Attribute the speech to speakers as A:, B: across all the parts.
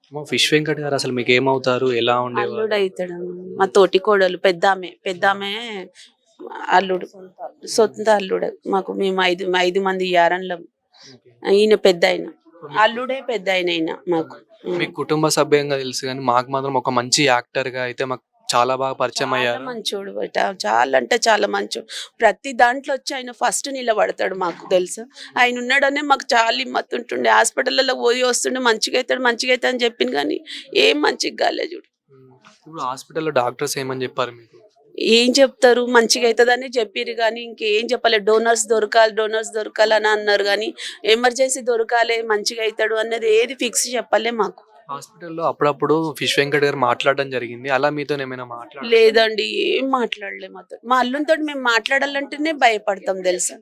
A: Fish Venkat గారు అసలు మీకేమవుతారు? ఎలా ఉండేవారు?
B: అల్లుడైతాడు. మా తోటి కోడలు పెద్దామె. పెద్దామె అల్లుడు. సొంత అల్లుడు. మేము 5 మంది యారన్లం.
A: ఓకే.
B: ఈయన పెద్దాయన.
A: సో, మీకు
B: అల్లుడే పెద్దాయన ఈయన మాకు.
A: మీకు కుటుంబ సభ్యంగా తెలుసు గానీ, మాకు మాత్రం ఒక మంచి యాక్టర్‌గా అయితే మాకు చాలా బాగా పరిచయం
B: చాలా
A: అయ్యారు.
B: మంచోడు బేట. చాలా అంటే చాలా మంచోడు. ప్రతి దాంట్లో వచ్చి ఆయన ఫస్ట్ నిలబడతాడు మాకు తెలుసా. ఆయన ఉన్నాడనే మాకు చాలా హిమ్మతుంటుండే. హాస్పిటల్‌లలో పోయి వస్తుండే మంచిగైతాడు అని చెప్పిండు గానీ ఏం మంచిగా కాలే చూడు.
A: ఇప్పుడు హాస్పిటల్‌లో డాక్టర్స్ ఏమని చెప్పారు మీకు?
B: ఏం చెప్తారు మంచిగా అవుతుందని చెప్పిర్రు కానీ ఇంకేం చెప్పలే. డోనర్స్ దొరకాలని అన్నారు కానీ ఎమర్జెన్సీ దొరకాలి మంచిగా అవుతాడు అన్నది ఏది ఫిక్స్ చెప్పలే మాకు.
A: హాస్పిటల్‌లో అప్పుడప్పుడు ఫిష్ వెంకట్ గారు మాట్లాడడం జరిగింది. అలా మీతోనేమైనా మాట్లాడారా?
B: లేదండి ఏం మాట్లాడలే మాతో. మా అల్లునితోటి మేము మాట్లాడాలంటేనే భయపడతాం తెలుసా.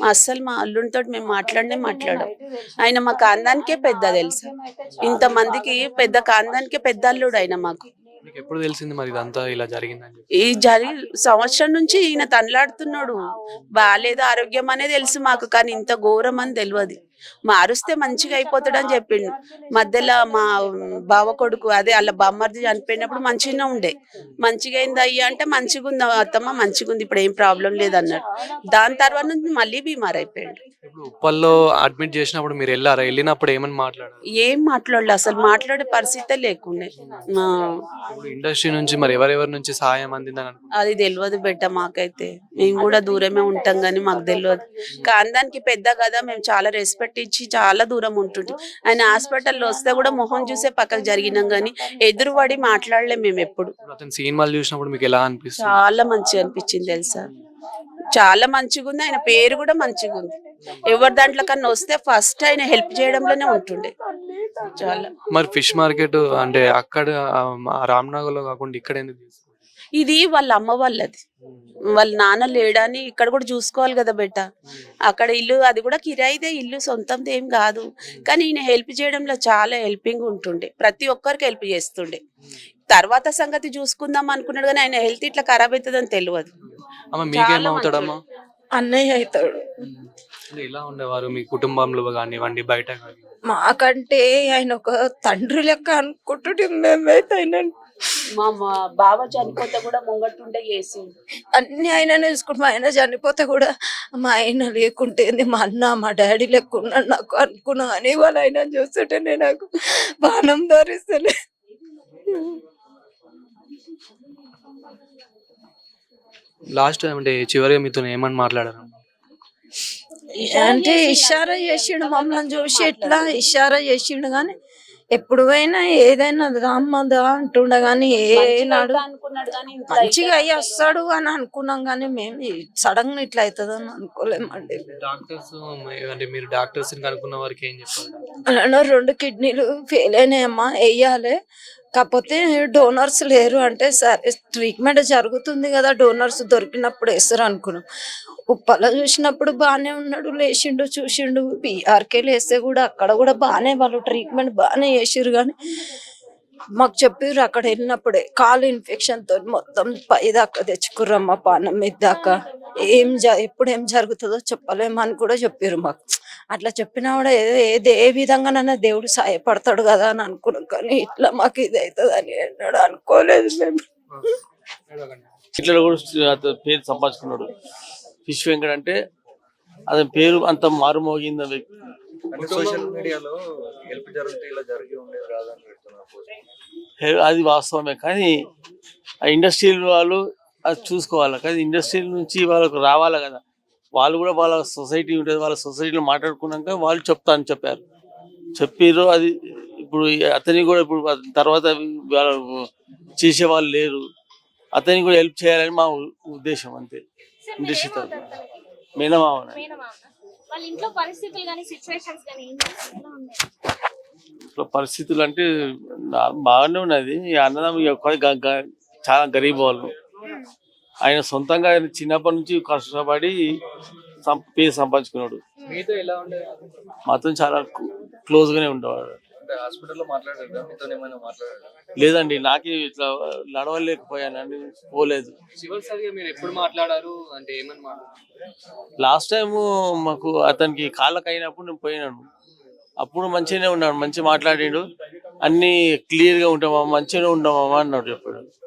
B: మా అల్లునితోటి మేము మాట్లాడం. ఆయన మా కాందానికే పెద్ద తెలుసా. ఇంతమందికి పెద్ద కాందానికే పెద్ద అల్లుడు ఆయన మాకు.
A: మీకెప్పుడు తెలిసింది మరి ఇదంతా ఇలా జరిగిందని చెప్పి?
B: ఈ సంవత్సరం నుంచి ఈయన తనలాడుతున్నాడు. బాలేదు ఆరోగ్యం అనే తెలుసు మాకు కానీ ఇంత ఘోరం అని తెలియదు. మారుస్తే మంచిగా అయిపోతాడని చెప్పిండు. మధ్యలో మా బావ కొడుకు అదే వాళ్ళ బామ్మర్ది చనిపోయినప్పుడు మంచిగానే ఉండే. మంచిగా అయింది అయ్యా అంటే మంచిగా ఉంది అత్తమ్మ మంచిగా ఉంది ఇప్పుడు ఏం ప్రాబ్లం లేదన్నాడు. దాని తర్వాత నుంచి మళ్ళీ బీమార్ అయిపోయాడు.
A: ఇప్పుడు ఉప్పల్లో అడ్మిట్ చేసినప్పుడు మీరెళ్లారా? ఎళ్ళినప్పుడు ఏమని మాట్లాడారు?
B: ఏం మాట్లాడలే అసలు మాట్లాడే పరిస్థితే లేకుండే. ఆ,
A: ఇప్పుడు ఇండస్ట్రీ నుంచి మరి ఎవరెవరి నుంచి సహాయం అందిందని అనుకుంటున్నారు?
B: అది తెలియదు బిడ్డ మాకైతే. మేము కూడా దూరమే ఉంటాం కానీ మాకు తెలియదు. కాందానికి పెద్ద కదా మేము చాలా రెస్పెక్ట్ ఇచ్చి చాలా దూరం ఉంటుంటాం. ఆయన హాస్పిటల్లో వస్తే కూడా మొహం చూసే పక్కకు జరిగినాం కానీ ఎదురుపడి మాట్లాడలేం మేము ఎప్పుడు.
A: ఇప్పుడు అతని సినిమాలు చూసినప్పుడు మీకు ఎలా అనిపిస్తుంది?
B: చాలా మంచిగా అనిపించింది తెలుసా. చాలా మంచిగా ఉంది. ఆయన పేరు కూడా మంచిగా ఉంది. ఎవరి దాంట్లో కన్నా వస్తే ఫస్ట్ ఆయన హెల్ప్ చేయడంలోనే ఉంటుండే. చాలా
A: మరి ఫిష్ మార్కెట్ అంటే అక్కడ రామ్నగర్‌లో కాకుండా ఇక్కడ ఎందుకు తీసుకున్నారు?
B: ఇది వాళ్ళ అమ్మ వాళ్ళది. వాళ్ళ నాన్న లేడని ఇక్కడ కూడా చూసుకోవాలి కదా బెట్ట. అక్కడ ఇల్లు అది కూడా కిరాయిదే ఇల్లు సొంతంది ఏం కాదు. కానీ ఈయన హెల్ప్ చేయడంలో చాలా హెల్పింగ్ ఉంటుండే. ప్రతి ఒక్కరికి హెల్ప్ చేస్తుండే. తర్వాత సంగతి చూసుకుందాం అనుకున్నాడు కానీ ఆయన హెల్త్ ఇట్లా ఖరాబ్ అవుతుందని తెలియదు.
A: అమ్మ
B: చాలా
A: మీకేమవుతాడమ్మా?
C: అన్నయ్య అవుతాడు.
A: అంటే ఎలా ఉండేవారు మీ కుటుంబంలో కానివ్వండి, బయట కానివ్వండి?
C: మాకంటే ఆయన ఒక తండ్రి లెక్క అనుకుంటుంటే మేమైతే ఆయన
B: మా బావ చనిపోతే కూడా ముంగట్టుండే చేసిండు.
C: అన్ని ఆయన చూసుకుంటాం. ఆయన చనిపోతే కూడా మా ఆయన లేకుంటే మా అన్న మా డాడీ లెక్క ఉన్నాడు నాకు అనుకున్నా అని వాళ్ళ ఆయన చూస్తుంటేనే నాకు బాణం ధరిస్తలే.
A: లాస్ట్ అంటే చివరిగా మీతో ఏమని మాట్లాడారు?
C: అంటే ఇషారా చేసిండు మమ్మల్ని చూసి ఎట్లా ఇషారా చేసిండు కానీ ఎప్పుడు పోయినా ఏదైనా రామ్మదా అంటుండ గానీ ఏనాడు
B: అనుకున్నాడు కానీ
C: మంచిగా అయ్యి వస్తాడు అని అనుకున్నాం కానీ మేము సడన్ గా ఇట్లా అవుతుందని అనుకోలేమండి.
A: డాక్టర్స్ అంటే మీరు డాక్టర్స్ అనుకున్న వారికి ఏం చెప్పారు?
C: అలానే 2 కిడ్నీలు ఫెయిల్ అయినాయమ్మా వేయాలి కాకపోతే డోనర్స్ లేరు అంటే సరే ట్రీట్మెంట్ జరుగుతుంది కదా డోనర్స్ దొరికినప్పుడు వేస్తారు అనుకున్నాం. ఉప్పల చూసినప్పుడు బాగానే ఉన్నాడు లేచిండు చూసిండు. బీఆర్కే లేస్తే కూడా అక్కడ కూడా బాగానే వాళ్ళు ట్రీట్మెంట్ బాగానే చేసిర్రు కానీ మాకు చెప్పిర్రు అక్కడ వెళ్ళినప్పుడే కాలు ఇన్ఫెక్షన్ తో మొత్తం పై దాకా తెచ్చుకుర్రమ్మ పానం మీద దాకా ఎప్పుడు ఏం జరుగుతుందో చెప్పలేమని కూడా చెప్పారు మాకు. అట్లా చెప్పినా కూడా ఏ విధంగానైనా దేవుడు సాయపడతాడు కదా అని అనుకున్నాం కానీ ఇట్లా మాకు ఇది అవుతుంది అని అన్నాడు అనుకోలేదు మేము.
D: ఇట్లా కూడా అతని పేరు సంపాదించుకున్నాడు. ఫిష్ వెంకట్ అంటే అతని పేరు అంత మారుమోగింది వ్యక్తి.
E: సోషల్ మీడియాలో హెల్ప్ జరిగితే ఇలా జరిగి ఉండేది కాదని పెడుతున్నారు.
D: అది వాస్తవమే కానీ ఆ ఇండస్ట్రీ వాళ్ళు అది చూసుకోవాలి. కానీ ఇండస్ట్రీ నుంచి వాళ్ళకు రావాలి కదా. వాళ్ళు కూడా వాళ్ళ సొసైటీ ఉంటుంది, వాళ్ళ సొసైటీలో మాట్లాడుకున్నాక వాళ్ళు చెప్తాను చెప్పారు. అది ఇప్పుడు అతనికి కూడా ఇప్పుడు తర్వాత చేసే వాళ్ళు లేరు. అతనికి కూడా హెల్ప్ చేయాలని మా ఉద్దేశం అంతే. ఇండస్ట్రీ తరఫున మేనమామ పరిస్థితులు అంటే బాగానే ఉన్నది. అన్నదమ్ములు చాలా గరీబ్ వాళ్ళు. ఆయన సొంతంగా చిన్నప్పటి నుంచి కష్టపడి పేరు సంపాదించుకున్నాడు.
A: మీతో ఎలా ఉండేవారు?
D: మాతో చాలా క్లోజ్ గానే ఉండేవాడు.
E: హాస్పిటల్లో మాట్లాడారు మీతో ఏమైనా మాట్లాడారు?
D: లేదండి నాకే ఇట్లా నడవలేకపోయానండి పోలేదు.
A: చివరిసారిగా మీరు ఎప్పుడు మాట్లాడారు అంటే ఏమని మాట్లాడారు?
D: లాస్ట్ టైం మాకు అతనికి కాళ్ళకి అయినప్పుడు నేను పోయినాను. అప్పుడు మంచిగానే ఉన్నాడు, మంచిగా మాట్లాడిండు. అన్ని క్లియర్ గా ఉంటామా మంచిగా ఉంటామా అన్నాడు చెప్పాడు.